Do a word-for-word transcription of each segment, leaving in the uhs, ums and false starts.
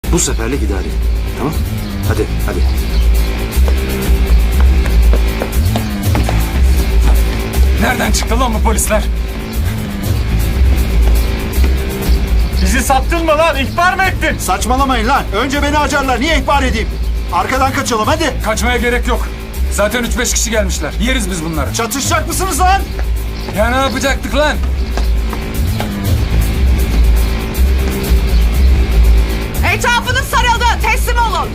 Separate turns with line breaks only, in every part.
Bu seferlik idare et. Tamam? Hadi, hadi.
Nereden çıktı lan bu polisler? Bizi sattın mı lan? İhbar mı ettin?
Saçmalamayın lan. Önce beni acarlar. Niye ihbar edeyim? Arkadan kaçalım hadi.
Kaçmaya gerek yok. Zaten üç beş kişi gelmişler. Yeriz biz bunları.
Çatışacak mısınız lan?
Ya ne yapacaktık lan?
Etrafınız sarıldı. Teslim olun.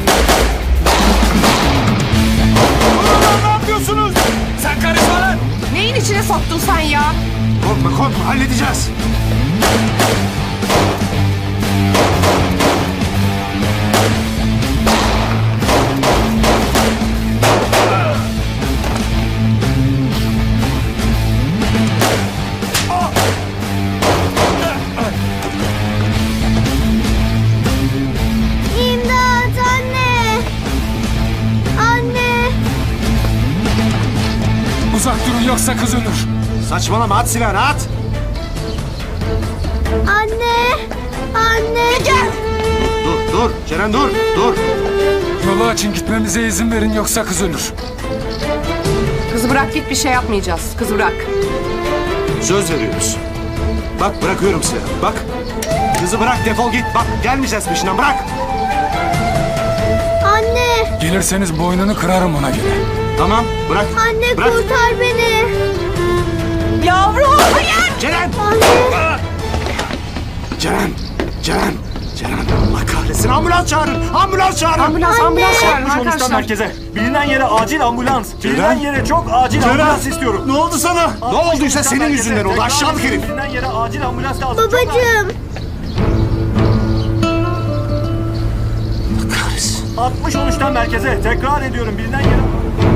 Ulan ne yapıyorsunuz?
Sen karışma lan!
Neyin içine soktun sen ya?
Korkma korkma halledeceğiz.
İmdat anne! Anne!
Uzak durun yoksa kız ölür.
Saçmalama at silahını at.
Anne! Anne!
Gel.
Dur dur Ceren dur dur.
Yolu açın gitmemize izin verin yoksa kız ölür.
Kızı bırak git, bir şey yapmayacağız. Kızı bırak.
Söz veriyoruz. Bak bırakıyorum silahı bak. Kızı bırak defol git. Bak gelmeyeceğiz peşinden bırak.
Anne!
Gelirseniz boynunu kırarım ona göre.
Tamam bırak.
Anne
Bırak.
kurtar beni!
Yavrum hayır.
Ceren.
Anne!
Ceren. Ceren. Ceren. Allah kahretsin ambulans çağırın. Ambulans çağırın.
Ambulans ambulans çağırın
Sonuçtan
arkadaşlar.
merkeze. Bilinen yere acil ambulans. Bilinen yere çok acil ambulans istiyorum.
Ne oldu sana? Ne olduysa senin yüzünden oldu aşağılık herif.
Bilinen yere acil ambulans lazım. Çok acil.
Babacığım!
Kahretsin.
altmış on üçten merkeze. Tekrar ediyorum bilinen yere.